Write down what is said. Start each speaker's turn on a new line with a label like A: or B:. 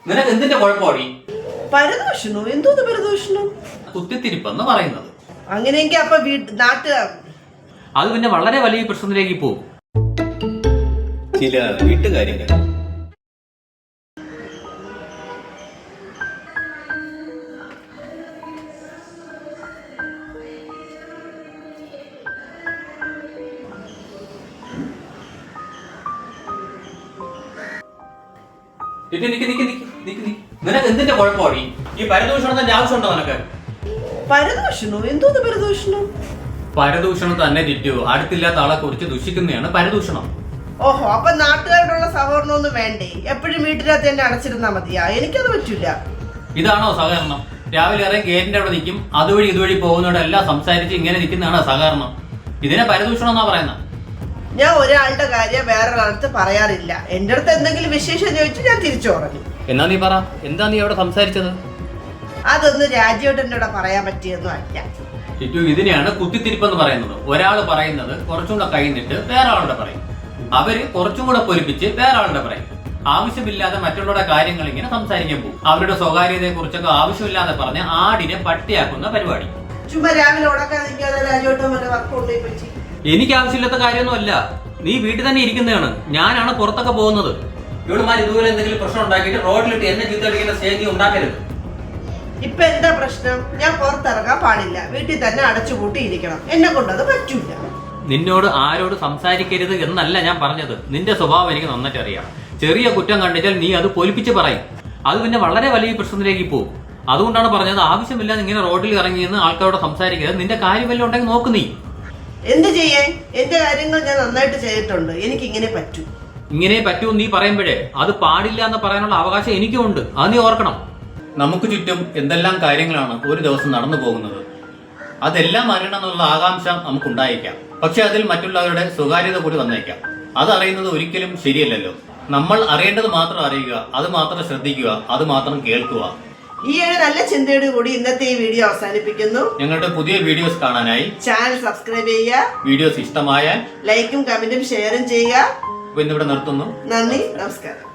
A: നിനക്ക് എന്തിന്റെ കുഴപ്പമാടി?
B: പരദൂഷണോ? എന്തോന്ന് പരദൂഷണം?
A: കുത്തിത്തിരിപ്പെന്ന് പറയുന്നത്.
B: അങ്ങനെയെങ്കിൽ അപ്പൊ നാട്ടുകാർ
A: അത് പിന്നെ വളരെ വലിയ പ്രശ്നത്തിലേക്ക് പോകും. ചില വീട്ടുകാര്യങ്ങൾ. നിനക്ക് എന്തിന്റെ കുഴപ്പമാടി? ഈ പരദൂഷണത്തിന്റെ ആവശ്യമുണ്ടോ നിനക്ക്?
B: പരദൂഷണോ? എന്തോന്ന് പരദൂഷണം?
A: പരദൂഷണം തന്നെ ജിറ്റു. അടുത്തില്ലാത്ത ആളെ കുറിച്ച് ദുഷിക്കുന്നതാണ് പരദൂഷണം.
B: ഓഹോ, അപ്പൊ നാട്ടുകാരോടുള്ള സഹകരണമൊന്നും വേണ്ടേ? എപ്പോഴും വീട്ടിനകത്ത് തന്നെ അടച്ചിരുന്നാ മതിയാ? എനിക്കത് പറ്റില്ല.
A: ഇതാണോ സഹകരണം? രാവിലെ ഇറങ്ങി ഗേറ്റിന്റെ അവിടെ നിൽക്കും, അതുവഴി ഇതുവഴി പോകുന്നവരെല്ലാം സംസാരിച്ച് ഇങ്ങനെ നിൽക്കുന്നതാണോ സഹകരണം? ഇതിനെ പരദൂഷണം എന്നാ പറയുന്നത്.
B: ഞാൻ ഒരാളുടെ കാര്യം വേറൊരാളടുത്ത് പറയാറില്ല. എന്റെ അടുത്ത് എന്തെങ്കിലും വിശേഷം ചോദിച്ചു ഞാൻ തിരിച്ചു പറഞ്ഞു.
A: എന്നാ നീ പറ, എന്താ നീ അവിടെ സംസാരിച്ചത്?
B: അതൊന്നും രാജീവേട്ടൻ്റെ കൂടെ പറയാൻ പറ്റിയൊന്നും അല്ല.
A: ജിറ്റു, ഇതിനെയാണ് കുത്തിത്തിരിപ്പെന്ന് പറയുന്നത്. ഒരാൾ പറയുന്നത് കുറച്ചും കൂടെ കഴിഞ്ഞിട്ട് വേറെ ആളുടെ പറയും, അവര് കുറച്ചും കൂടെ പൊലിപ്പിച്ച് വേറെ ആളുടെ പറയും. ആവശ്യമില്ലാതെ മറ്റുള്ളവരുടെ കാര്യങ്ങൾ ഇങ്ങനെ സംസാരിക്കാൻ പോകും. അവരുടെ സ്വകാര്യതയെ കുറിച്ചൊക്കെ ആവശ്യമില്ലാതെ പറഞ്ഞ് ആടിനെ പട്ടിയാക്കുന്ന പരിപാടി.
B: ചുമ്മാ രാവിലെ ഉടക്കാതിരിക്കാതെ രാജീവേട്ടൻ വല്ല വർക്ക് കൊണ്ടുപോയി പറ്റി.
A: എനിക്ക് ആവശ്യമില്ലാത്ത കാര്യമൊന്നുമല്ല. നീ വീട്ടിൽ തന്നെ ഇരിക്കുന്നതാണ്, ഞാനാണ് പുറത്തൊക്കെ പോകുന്നത്. ഇവളുമാർ ഇതുപോലെ എന്തെങ്കിലും പ്രശ്നം ഉണ്ടാക്കിയിട്ട് റോഡിലിട്ട് എന്നെ ചീത്തടിക്കുന്ന സ്റ്റേജ് ഉണ്ടാക്കരുത്.
B: ഇപ്പൊ എന്താ പ്രശ്നം? ഞാൻ പുറത്തിറങ്ങാൻ പാടില്ല, വീട്ടിൽ തന്നെ അടച്ചുപൂട്ടി ഇരിക്കണം. എന്നെ കൊണ്ടത് പറ്റൂല.
A: നിന്നോട് ആരോട് സംസാരിക്കരുത് എന്നല്ല ഞാൻ പറഞ്ഞത്. നിന്റെ സ്വഭാവം എനിക്ക് നന്നായിട്ട് അറിയാം. ചെറിയ കുറ്റം കണ്ടിച്ചാൽ നീ അത് പൊലിപ്പിച്ച് പറയും. അത് പിന്നെ വളരെ വലിയ പ്രശ്നത്തിലേക്ക് പോകും. അതുകൊണ്ടാണ് പറഞ്ഞത്, ആവശ്യമില്ലാതെ ഇങ്ങനെ റോഡിൽ ഇറങ്ങി നിന്ന് ആൾക്കാരോട് സംസാരിക്കരുത്. നിന്റെ കാര്യം വല്ലതും ഉണ്ടെങ്കിൽ നോക്ക് നീ.
B: എന്ത് ചെയ്യേ? എന്റെ കാര്യങ്ങൾ ഞാൻ നന്നായിട്ട് ചെയ്തിട്ടുണ്ട്. എനിക്ക് ഇങ്ങനെ പറ്റൂ.
A: ഇങ്ങനെ പറ്റൂ നീ പറയുമ്പോഴേ അത് പാടില്ല എന്ന് പറയാനുള്ള അവകാശം എനിക്കും ഉണ്ട്. അത് നീ ഓർക്കണം. നമുക്ക് ചുറ്റും എന്തെല്ലാം കാര്യങ്ങളാണ് ഒരു ദിവസം നടന്നു പോകുന്നത്. അതെല്ലാം അറിയണം എന്നുള്ള ആകാംക്ഷ നമുക്കുണ്ടായേക്കാം. പക്ഷെ അതിൽ മറ്റുള്ളവരുടെ സ്വകാര്യത കൂടി വന്നേക്കാം. അതറിയുന്നത് ഒരിക്കലും ശരിയല്ലല്ലോ. നമ്മൾ അറിയേണ്ടത് മാത്രം അറിയുക, അത് മാത്രം ശ്രദ്ധിക്കുക, അത് മാത്രം കേൾക്കുക.
B: ഈ ഒരു നല്ല ചിന്തയോട് കൂടി ഇന്നത്തെ ഈ വീഡിയോ അവസാനിപ്പിക്കുന്നു.
A: ഞങ്ങളുടെ പുതിയ വീഡിയോസ് കാണാനായി
B: ചാനൽ സബ്സ്ക്രൈബ് ചെയ്യുക.
A: വീഡിയോസ് ഇഷ്ടമായാൽ
B: ലൈക്കും കമന്റും ഷെയറും ചെയ്യുക.
A: ഇന്നിവിടെ നിർത്തുന്നു.
B: നന്ദി, നമസ്കാരം.